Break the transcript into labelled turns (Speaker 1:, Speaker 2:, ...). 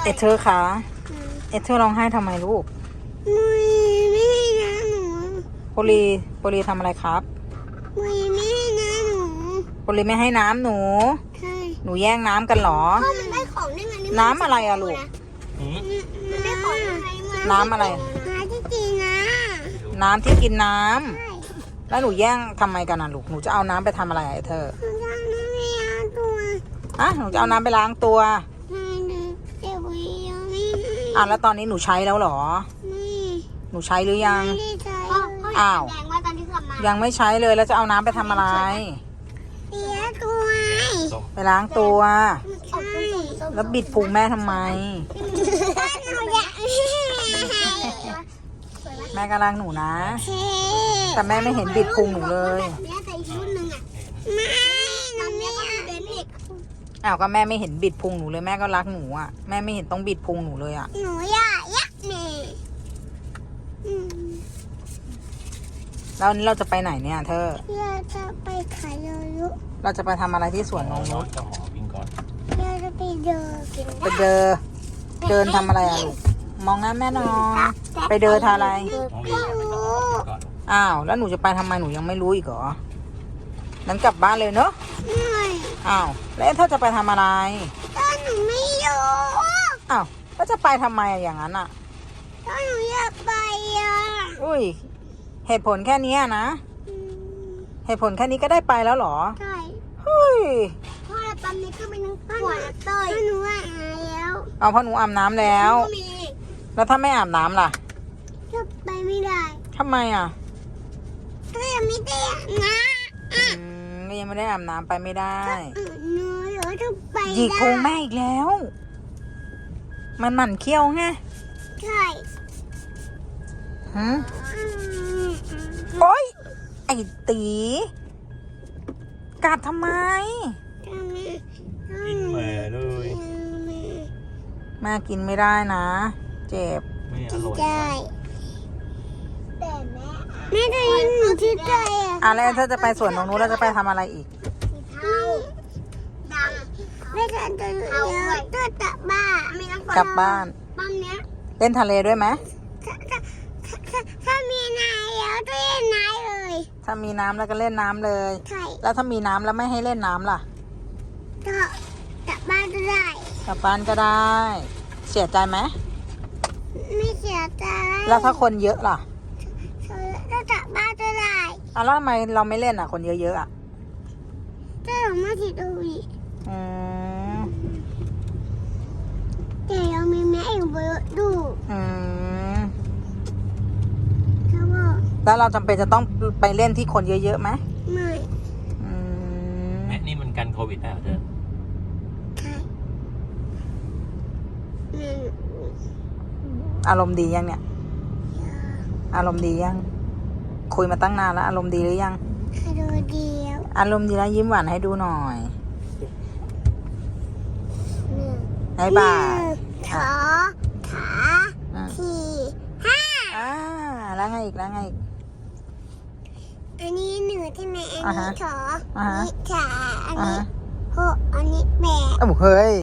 Speaker 1: เธอคะเธอร้องไห้ทำไมลูก
Speaker 2: ไม่ให้นะหนู
Speaker 1: โปลีทำอะไรครับ
Speaker 2: ไม่ให้นะหนู
Speaker 1: โปลีไม่ให้น้ำหนู
Speaker 2: ใช่
Speaker 1: หนูแย่งน้ำกันเหรอ
Speaker 2: พ่อมันได้ของได้ไงนี่
Speaker 1: น้ำอะไรอะลูก
Speaker 2: มันได้ของได้ไง
Speaker 1: น้ำอะไร
Speaker 2: น้ำที่กินนะ
Speaker 1: น้ำที่กินน้ำ
Speaker 2: ใช่
Speaker 1: แล้วหนูแย่งทำไมกันนะลูกหนูจะเอาน้ำไปทำอะไรไอ้เธอ
Speaker 2: หนูจะไม่ล้างตัว
Speaker 1: หนูจะเอาน้ำไปล้างตัว
Speaker 2: ไม่นะเดี๋ยวยังไม่
Speaker 1: แล้วตอนนี้หนูใช้แล้วเหรอหนูใช้หรือยัง
Speaker 2: ไม่ได้ใช้
Speaker 1: อ้าวยังไม่ใช้เลยแล้วจะเอาน้ำไปทำอะไร
Speaker 2: เสียตัว
Speaker 1: ไปล้างตัวแล้วบิดพุงแม่ทำไมแม่กำลังหนูนะแต่แม่ไม่เห็นบิดพุงหนูเลยก็แม่ไม่เห็นบิดพุงหนูเลยแม่ก็รักหนูอ่ะแม่ไม่เห็นต้องบิดพุงหนูเลยอ่ะ
Speaker 2: หนูอยากยักแม่
Speaker 1: แล้วนี้เราจะไปไหนเนี่ยเธอ
Speaker 2: เราจะไปขายยุ
Speaker 1: เราจะไปทำอะไรที่สวนนงนุช
Speaker 2: เราจะไปเดิน
Speaker 1: เดินทำอะไรอะลูกมองหน้าแม่นอนไปเดินทำอะไรแล้วหนูจะไปทำไมหนูยังไม่รู้อีกเหรอนั้นกลับบ้านเลยเนอะแล้วเธอจะไปทำอะไร
Speaker 2: หนูไม่รู้
Speaker 1: แล้วจะไปทำไมอย่างนั้น
Speaker 2: หนูอยากไป
Speaker 1: อุ้ยเหตุผลแค่นี้นะเหตุผลแค่นี้ก็ได้ไปแล้วเหรอ
Speaker 2: ใช่
Speaker 1: เฮ้ย
Speaker 2: พ่อตอนนี้ก็เป็นขวดเต้ยหนูอาบแล้ว
Speaker 1: เพราะหนูอาบน้ำแล้วแล้วถ้าไม่อาบน้ำล่ะ
Speaker 2: ก็ไปไม่ได้
Speaker 1: ทำไม
Speaker 2: ก็ยังไม่ได้อาบน้
Speaker 1: ำก็ยังไม่ได้อาบน้ำไปไม่ได้
Speaker 2: หนูจะไป
Speaker 1: หยิกพุงแม่อีกแล้วมันหมั่นเคี้ยวไง
Speaker 2: ใช่
Speaker 1: โอ๊ยไอ้ตีกัดทำไม
Speaker 3: กินแม่เลย
Speaker 1: แม่กินไม่ได้นะเจ็บ
Speaker 3: ไม่อร่อย
Speaker 2: แต่แม่จะยินหนูที่ใจ
Speaker 1: แล้วเธอจะไปสวนตรงนู้นแล้วจะไปทำอะไรอีก
Speaker 2: แม่จะเดินก็กลับบ้านปั๊มเนี้ย
Speaker 1: เล่นทะเลด้วยไหม
Speaker 2: ถ้ามีน้ำแล้วก็เล่นน้ำเลย
Speaker 1: ถ้ามีน้ำแล้วก็เล่นน้ำเลย
Speaker 2: ใช่
Speaker 1: แล้วถ้ามีน้ำแล้วไม่ให้เล่นน้ำล่ะ
Speaker 2: ก็กลับบ้านก็ได้
Speaker 1: กลับบ้านก็ได้เสียใจไหม
Speaker 2: ไม่เสียใจ
Speaker 1: แล้วถ้าคนเยอะล่ะ
Speaker 2: ก็กลับบ้านก็ได้
Speaker 1: แล้วทำไมเราไม่เล่นคนเยอะๆ
Speaker 2: ก็หนูไม่ติดดูอีกแต่ยังมีแม่อยู่บนรถดู
Speaker 1: แล้วเราจำเป็นจะต้องไปเล่นที่คนเยอะๆไหม
Speaker 2: ไม่
Speaker 3: แม่นี่มันกันโควิดได้เหรอเธอ
Speaker 2: ใช่
Speaker 1: อารมณ์ดียังเนี่ยอารมณ์ดียังคุยมาตั้งนานแล้วอารมณ์ดีหรือยังอารมณ์ดีแล้วยิ้มหวานให้ดูหน่อยให้บ่า
Speaker 2: ขา4 5
Speaker 1: แล้วไงอีก
Speaker 2: อันนี้1ใช่ไหมอันนี้2อันนี้3อันนี้6อันนี้8
Speaker 1: เฮ้ย